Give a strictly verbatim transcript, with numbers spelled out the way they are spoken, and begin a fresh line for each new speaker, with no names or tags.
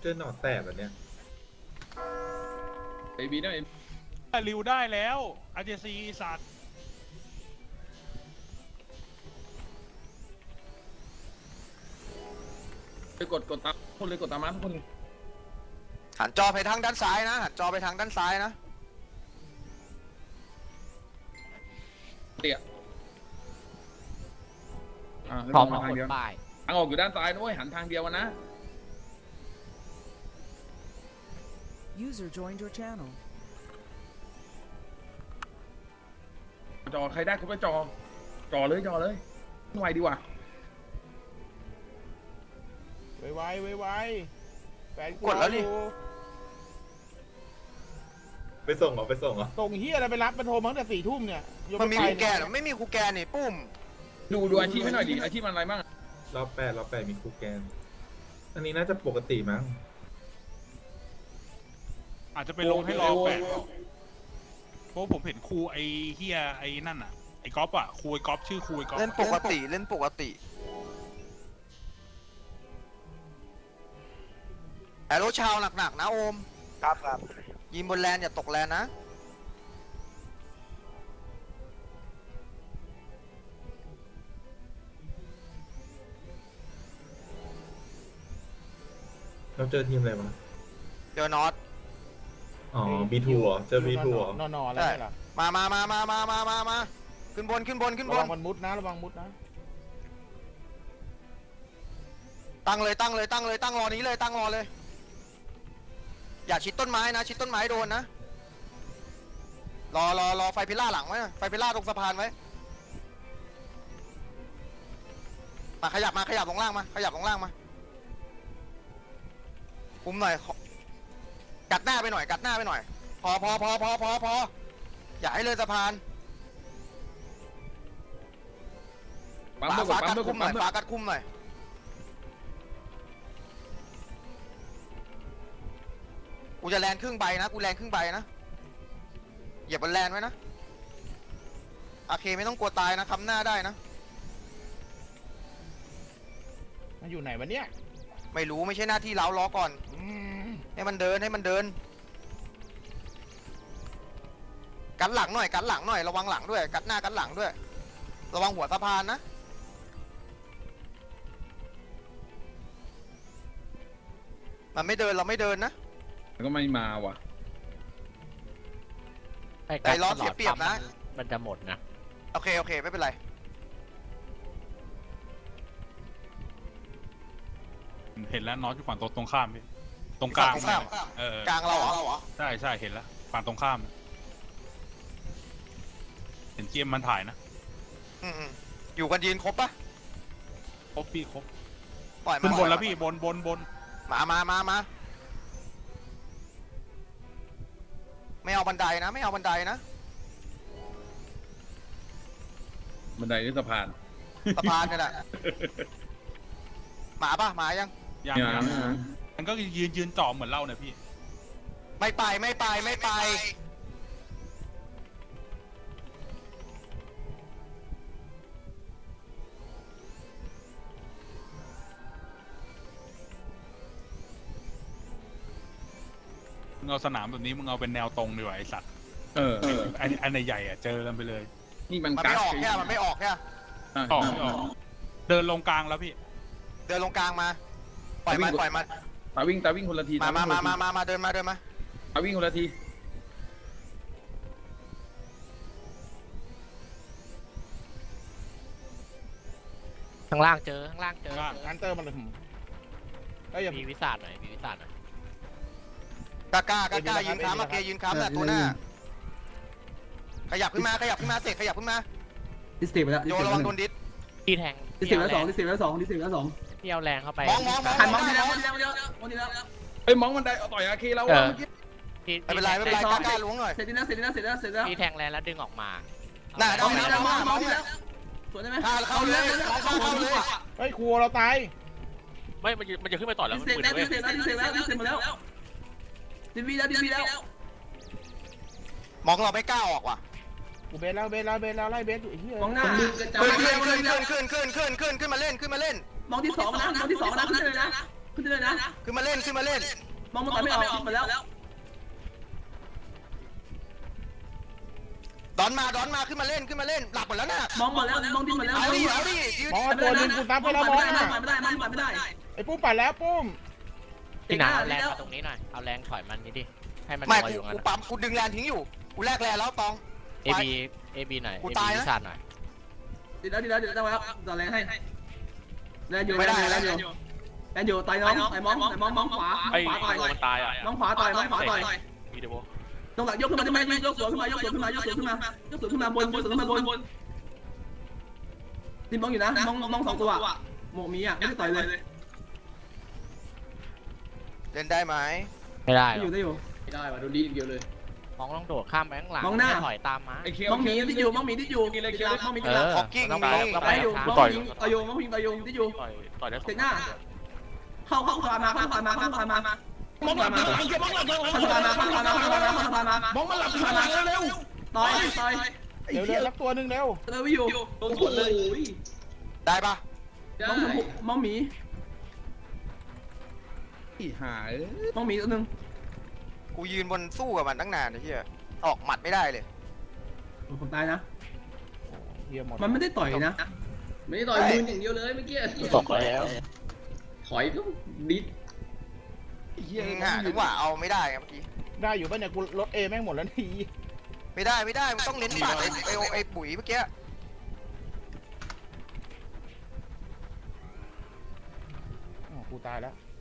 เจอหนอดแตกแบบเนี้ย
ไอบีได้
ริวได้แล้วอาร์เจซีสัตว์
ไปกดกดตามคนเลยกดตามมาทุกคน
หันจอไปทางด้านซ้ายนะหันจอไปทางด้านซ้ายนะ
เตี่ยอ่า
พร้อม
มา
มา
ทาง
กด
เดียว
ป้าย
ทางออกอยู่ด้านซ้ายนะเว้ยหันทางเดียวนะ
User joined your channel.
จอใครได้คุณไปจอจอเลยจอเลยไวดีกว่า
ไวไวไวไวแฟน
กดแล้วนี่
ไปส่งเหรอไปส่งเหรอ
ส่งเฮียอะไรไปรับมันโทรมาตั้งแต่สี่ทุ่มเนี่ยยก
มันมี
ไป
คูแกนเหรอไม่มีคูแกนนี่ปุ้ม
ดูดูอาชีพให้หน่อยดิอาชีพมันอะไรบ้าง
รอบแปดรอบแปดมีครูแกน อันนี้น่าจะปกติมั้ง
อาจจะไปลงให้รอแปดเพราะผมเห็นครูไอ้เฮียไอ้นั่นอ่ะไอ้ก๊อฟอ่ะครูไอ้ก๊อฟชื่อครูไอ้ก๊อฟ
เล่นปกติเล่นปกติแอโรชาวหนักๆนะโอมครับครับยิงบนแลนอย่าตกแลนนะ
เราเจอทีมอะไรมา
เจอนอต
อ๋อ บี ทู เหรอ เจอ บี ทู เหรอ
นอนนอนอะไร
ได้
ล่ะ
มามามามามามามามาขึ้นบนขึ้นบนขึ้นบ
ระวั
น
งมันมุดนะระวังมุดนะ
ตั้งเลยตั้งเลยตั้งเลยตั้งรอนี้เลยตั้งรอเลย อย่าชิดต้นไม้นะชิดต้นไม้โดนนะรอรอรอไฟพิล่าหลังไว้นะไฟพิล่าตรงสะพานไว้มาขยับมาขยับลงล่างมาขยับลงล่างมาคุมหน่อยกัดหน้าไปหน่อยกัดหน้าไปหน่อยพอพอพอพอพอพออย่าให้เลยสะพาน
ปั๊ม
ฝา
ด้วยก
ฝา
ดปั๊
กั
ม
ด
ด้วยก
คุ
ด
มหน่
ปั๊
อ
ม
ย
ด้วย
ฝากัดคุมหน่อยกูจะแลนครึ่งใบนะกูแลนครึ่งใบนะเหยียบบนแลนไว้นะโอเคไม่ต้องกลัวตายนะคำหน้าได้นะ
มันอยู่ไหนวะเนี่ย
ไม่รู้ไม่ใช่หน้าที่เราล้อก่อน
อืม
ให้มันเดินให้มันเดินกันหลังหน่อยกันหลังหน่อยระวังหลังด้วยกันหน้ากันหลังด้วยระวังหัวสะพานนะมันไม่เดินเราไม่เดินนะ
แล้วก็ไม่มาว่ะ
ไอ้ล้อเสียเปรียบนะ
มันจะหมดนะ
โอเคโอเคไม่เป็นไร
เห็นแล้วน็อตอยู่ฝั่งตรงข้ามพี่ตรงกลาง
ฝั่งตรงข้าม
เออก
ลางเราเหรอ
ใช่ใช่เห็นแล้วฝั่งตรงข้าม เห็นเจมมันถ่ายนะ
อืมๆอยู่กันยืนครบปะ
ครบพี่ครบ
ปล่อย
ขึ้
มาน
บนแล้วพี่บนบนบน
มามามามาไม่เอาบันไดนะไม่เอาบันไดนะ
บันไดหรือสะพาน
สะพานนี่แหละหมาปะหมายัง
ยัง
ยั
ยัง งมันก็ยืนยืนจ่อเหมือนเล่าเนี่ยพี่
ไม่ไปไม่ไปไม่ไป
มึงเอาสนามแบบนี้มึงเอาเป็นแนวตรงดีกว่าไอสัตว์
เออเออ
อันอันใหญ่ๆอ่ะเจอกันไปเลย
นี่มัน
มัน
กั
ไม่
ก
ออกแค่มันไม่ออกแค่
อ่ะ
ออกไม่ออกเดินลงกลางแล้วพี่
เดินลงกลางมาปล่อยมันปล่อยมัน
ตาวิ่งตาวิ่งคนละที
มา
ต
มา
วิ่ง
มา
คนละที
มามามาเดินมาเดินมา
ตาวิ่งคนละที
ข้างล่างเจอข้างล่างเจอ
ล่าง
อันเตอร์มันหืมก็อย่า
มีวิสาดหน่อยมีวิสาดหน่อย
กล้ากล้ากล้ากล้ายืนค้ำมาเกยืนค้ำแหละตัวหน้าขยับขึ้นมาขยับขึ้นมาเสกขยับขึ้นมา
ดิสติกไปแล้ว
โยระวังโดนดิส
พี่แทง
ดิสติกแล้วสองดิสติกแล้วสองดิสติกแล้วสอง
พี่เอาแรงเข้าไป
มองมองมอง
หันมองทีแล้วมองทีแล้วมองทีแล้ว
เอ้ยมองบันไดเอาต่อยอาเคเรา
เอ
อะ
อ
เมื่อกี้
พี่
ไม่เป็นไรไม่เป็นไรกล้ากล้าล้วงหน่อย
เสร็จแล้วเสร็จแล้วเสร็จแล้วเสร็จแล้ว
พี่แทงแรงแล้วดึงออกมา
ได้
มองทีแล้วมองมองทีแล้วสวนได้ไหม
เข้าเลยเข้าเลย
เฮ้ยครัวเราตาย
ไม่มันจะมันจะขึ้นไปต่อแล้ว
ดิ
มัน
สติก
มืด
แล้ว
เว้
ดิ
ย
สติกแล้วดิสติกแล้วดิสติกหมดแล้วดิสบีแล้วดิสบีแล้ว
มองเราไม่กล้าออกว่ะ
กูเบสแล้วเบสแล้วเบสแล้วไล่เบสอยู่ไอ้เหี้ย
มองหน้า
ขึ้นขึ้นขึ้นขึ้นขึ้นขึ้นขึ้นขึ้นขึ้นขึ้นมาเล่นขึ้นมาเล่น
มองที่สองนะมองที่สองนะขึ้นเลยนะขึ้นได้เลยนะ
ขึ้นมาเล่นขึ้นมาเล่น
มองมันต่อยไม่ออกหมดแล้ว
ดอนมาดอนมาขึ้นมาเล่นขึ้นมาเล่นหลับหมดแล้วน่ะ
มองหมดแล้วมองดิ้นหมดแล้ว
เอาดิเอาดิยืน
มองเอาตัวหนึงกูซับไปแล้วมอง
ไม่
อ่ะ
ได้ไม่ได้ไม่ได้
ไอ้ปุ้มปัดแล้วปุ้ม
พี่หนาเอาแรงมาตรงนี้หน่อยเอาแรงถอยมันนี้ดิให้มัน
ไม่
ลอย
กู
อยู่งั้น
กูปั๊มกูดึงแลนทิ้งอยู่กูแลกแลนแล้วตอง
เอบีเอบีหน่อย
กู
เอ
ตา
บี
ยนะ
วิชาหน่อย
ดีแล้วดีแล้วดีแล้วแล้วต่อแรงให้แรงอยู่แรงอยู่แรงอยู่แรงอยู่ต่อยน้องต่อยมองต่อยมองมองขวา
ไอ้
ขวาต่อย
มันตายอ่ะ
มองขวาต่อยมองขวาต่อย
มีเดโบ
ตรงหลังยกขึ้นมาได้ไหมยกสวนขึ้นมายกสวนขึ้นมายกสวนขึ้นมายกสวนขึ้นมาบนบนสวนขึ้นมาบนบนติมมองอยู่นะมองมองสองตัวหมกมีอ่ะไม่ได้ต่อยเลย
เล่นได้ไหม
ไม่ได้
ได้
หร
อ
อยู่ ก
ได้อยู่ไม่ได้ว่ะโดนดีเดียวเลย
มองต้องโดดข้ามไปข้างหลัง
มองหน้า
ไม่ถอยตามมา
ไอ้เคียว
มองมีที่อยู่มองมีที่อยู่มองมี
เอ
ที่หลัง
อ
ฮอกกิ้ง
ต้อง
มี
ไปต้อง
ไป
ไป
อยู่
ข้าง
มอง
ต่อย
ยิงต่อยอยู่มองยิงต่อยอยู่ที่อยู่
ต่อยต่อยได้สอง
เตะหน้าเข้าเข้าขวามาเข้าขวามาเข้าขวามา
มองหลับมองหลับมองหลับมองหลับ
เข้าขวามาเข้าขวามาเข้าขวามาเข้าขวามาม
องมันหลับขนาดเร็ว
ต่อยต่อย
เร็วเร็วรับตัวหนึงเร็ว
เลยไม่อยู่
โดนสวนเลย
ได้ปะ
มองมองหมี
อีหาย
มองหมีตัวนึง
กูยืนบนสู้กับมันตั้งนานไอ้เหี้ยออกหมัดไม่ได้เลย
ผมตายนะ
เฮียหมด
มันไม่ได้ต่อยนะ
ไม่ได้ต่อยมืออย่างเดียวเลยเมื่อกี้
ตกแล้ว
ถอยก็ดิด
หาจังหวะเอาไม่ได้ไงเมื่อกี้
ได้อยู่ป่ะเนี่ยกูลดเอแม่งหมดแล้วนี่
ไม่ได้ไม่ได้มันต้องเน้นปาดไอ้ไอ้ไอ้ปุ๋ยเมื่อกี้
อ๋อกูตายแล้ว